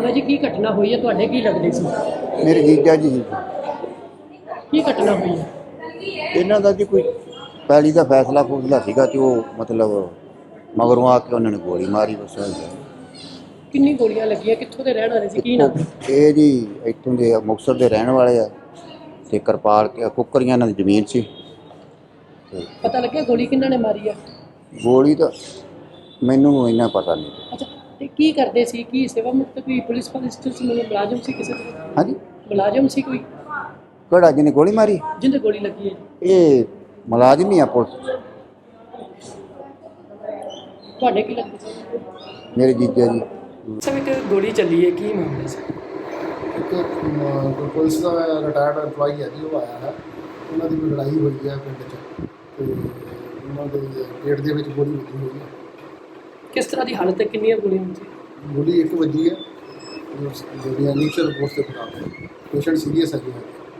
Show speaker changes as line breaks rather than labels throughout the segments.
ਨਾਮ ਹੈ ਜੀ, ਕੀ ਘਟਨਾ ਹੋਈ ਹੈ, ਤੁਹਾਡੇ ਕੀ ਲੱਗਦੇ ਸੀ?
ਮੇਰੇ ਜੀਜਾ ਜੀ ਸੀ।
ਕੀ ਘਟਨਾ ਹੋਈ ਹੈ?
ਇਹਨਾਂ ਦਾ ਜੀ ਕੋਈ ਪੈਲੀ ਦਾ ਫੈਸਲਾ ਸੀਗਾ ਤੇ ਉਹ ਮਤਲਬ ਮਗਰੋਂ ਆ ਕੇ ਉਹਨਾਂ ਨੇ ਗੋਲੀ ਮਾਰੀ ਬਸ।
ਕਿੰਨੀ ਗੋਲੀਆਂ ਲੱਗੀਆਂ, ਕਿੱਥੋਂ ਦੇ ਰਹਿਣ ਵਾਲੇ ਸੀ, ਕੀ ਨਾਮ ਹੈ?
ਇਹ ਜੀ ਇੱਥੋਂ ਦੇ ਮੁਕਤਸਰ ਦੇ ਰਹਿਣ ਵਾਲੇ ਆ ਤੇ ਕਿਰਪਾਲ ਕੁੱਕਰੀਆਂ ਇਹਨਾਂ ਦੀ ਜ਼ਮੀਨ ਸੀ। ਤੇ
ਪਤਾ ਲੱਗਿਆ ਗੋਲੀ ਕਿਹਨਾਂ ਨੇ ਮਾਰੀ ਆ?
ਗੋਲੀ ਤਾਂ ਮੈਨੂੰ ਇੰਨਾ ਪਤਾ ਨਹੀਂ।
ਅੱਛਾ, ਤੇ ਕੀ ਕਰਦੇ ਸੀ? ਕੀ ਸੇਵਾ ਮੁਕਤ ਕੋਈ ਪੁਲਿਸ ਮੁਲਾਜ਼ਮ ਸੀ, ਕਿਸੇ ਤਰ੍ਹਾਂ
ਹਾਂਜੀ,
ਮੁਲਾਜ਼ਮ ਸੀ ਕੋਈ
ਕਿਹੜਾ ਜਿਹਨੇ ਗੋਲੀ ਮਾਰੀ?
ਜਿਹਦੇ ਗੋਲੀ ਲੱਗੀ ਹੈ ਜੀ?
ਇਹ ਮੁਲਾਜ਼ਮ ਹੀ ਆ ਪੁਲਿਸ।
ਤੁਹਾਡੇ ਕੀ ਲੱਗਦੇ ਸੀ?
ਮੇਰੇ ਜੀਜਾ ਜੀ।
ਸਭ ਇੱਕ ਗੋਲੀ ਚੱਲੀ ਹੈ, ਕੀ ਮਾਮਲਾ ਸੀ?
ਇੱਕ ਪੁਲਿਸ ਦਾ ਰਿਟਾਇਰਡ ਐਮਪਲਾਈ ਹੈ ਜੀ, ਉਹ ਆਇਆ ਹੈ। ਉਹਨਾਂ ਦੀ ਕੋਈ ਲੜਾਈ ਹੋਈ ਹੈ ਪਿੰਡ 'ਚ ਤੇ ਉਹਨਾਂ ਦੇ ਪੇਟ ਦੇ ਵਿੱਚ ਗੋਲੀ ਵੱਜੀ ਹੋਈ ਹੈ।
ਕਿਸ ਤਰ੍ਹਾਂ ਦੀ ਹਾਲਤ ਹੈ, ਕਿੰਨੀਆਂ ਗੋਲੀਆਂ ਸੀ?
ਗੋਲੀ ਇੱਕ ਵੱਜੀ ਹੈ, ਜਿਹੜੀਆਂ ਇਨੀਸ਼ੀਅਲ ਰਿਪੋਰਟ ਦੇ ਮੁਤਾਬਕ ਪੇਸ਼ੈਂਟ ਸੀਰੀਅਸ ਹੈ ਜੀ।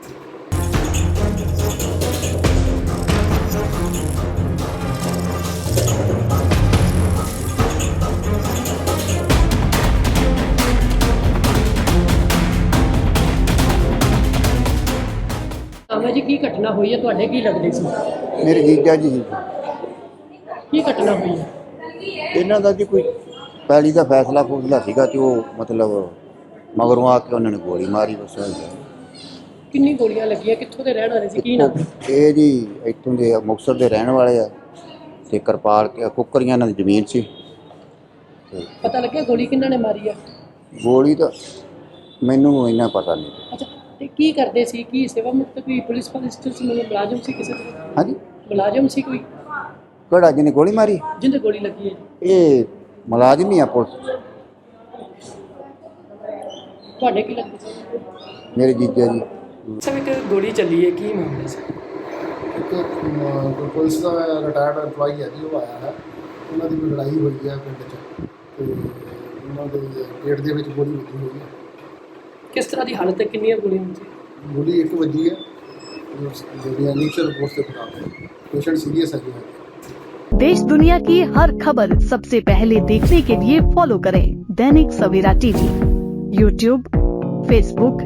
ਨਾਮ ਹੈ ਜੀ, ਕੀ ਘਟਨਾ ਹੋਈ ਹੈ, ਤੁਹਾਡੇ ਕੀ ਲੱਗਦੇ ਸੀ?
ਮੇਰੇ ਜੀਜਾ ਜੀ ਸੀ।
ਕੀ ਘਟਨਾ ਹੋਈ ਹੈ?
ਇਹਨਾਂ ਦਾ ਜੀ ਕੋਈ ਪੈਲੀ ਦਾ ਫੈਸਲਾ ਸੀਗਾ ਤੇ ਉਹ ਮਤਲਬ ਮਗਰੋਂ ਆ ਕੇ ਉਹਨਾਂ ਨੇ ਗੋਲੀ ਮਾਰੀ ਬਸ।
ਕਿੰਨੀ ਗੋਲੀਆਂ ਲੱਗੀਆਂ, ਕਿੱਥੋਂ ਦੇ ਰਹਿਣ ਵਾਲੇ ਸੀ, ਕੀ ਨਾਮ ਹੈ?
ਇਹ ਜੀ ਇੱਥੋਂ ਦੇ ਮੁਕਤਸਰ ਦੇ ਰਹਿਣ ਵਾਲੇ ਆ ਤੇ ਕਿਰਪਾਲ ਕੁੱਕਰੀਆਂ ਇਹਨਾਂ ਦੀ ਜ਼ਮੀਨ ਸੀ। ਤੇ
ਪਤਾ ਲੱਗਿਆ ਗੋਲੀ ਕਿਹਨਾਂ ਨੇ ਮਾਰੀ ਆ?
ਗੋਲੀ ਤਾਂ ਮੈਨੂੰ ਇੰਨਾ ਪਤਾ ਨਹੀਂ।
ਅੱਛਾ, ਤੇ ਕੀ ਕਰਦੇ ਸੀ? ਕੀ ਸੇਵਾ ਮੁਕਤ ਕੋਈ ਪੁਲਿਸ ਮੁਲਾਜ਼ਮ ਸੀ, ਕਿਸੇ ਤਰ੍ਹਾਂ
ਹਾਂਜੀ,
ਮੁਲਾਜ਼ਮ ਸੀ ਕੋਈ
ਕਿਹੜਾ ਜਿਹਨੇ ਗੋਲੀ ਮਾਰੀ?
ਜਿਹਦੇ ਗੋਲੀ ਲੱਗੀ ਹੈ ਜੀ?
ਇਹ ਮੁਲਾਜ਼ਮ ਹੀ ਆ ਪੁਲਿਸ।
ਤੁਹਾਡੇ ਕੀ ਲੱਗਦੇ ਸੀ?
ਮੇਰੇ ਜੀਜਾ ਜੀ।
ਸਭ ਇੱਕ ਗੋਲੀ ਚੱਲੀ ਹੈ, ਕੀ ਮਾਮਲਾ ਸੀ?
ਇੱਕ ਪੁਲਿਸ ਦਾ ਰਿਟਾਇਰਡ ਐਮਪਲਾਈ ਹੈ ਜੀ, ਉਹ ਆਇਆ ਹੈ। ਉਹਨਾਂ ਦੀ ਕੋਈ ਲੜਾਈ ਹੋਈ ਹੈ ਪਿੰਡ 'ਚ ਤੇ ਉਹਨਾਂ ਦੇ ਪੇਟ ਦੇ ਵਿੱਚ ਗੋਲੀ ਵੱਜੀ ਹੋਈ ਹੈ।
ਕਿਸ ਤਰ੍ਹਾਂ ਦੀ ਹਾਲਤ ਹੈ, ਕਿੰਨੀਆਂ ਗੋਲੀਆਂ ਸੀ?
ਗੋਲੀ ਇੱਕ ਵੱਜੀ ਹੈ, ਜਿਹੜੀਆਂ ਇਨੀਸ਼ੀਅਲ ਰਿਪੋਰਟ ਦੇ ਮੁਤਾਬਕ ਪੇਸ਼ੈंट सीरियस है जी।
देश दुनिया की हर खबर सबसे पहले देखने के लिए फॉलो करें Dainik Savera TV, YouTube, Facebook,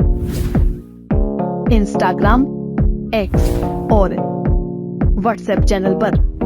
Instagram, X और व्हाट्सएप चैनल पर।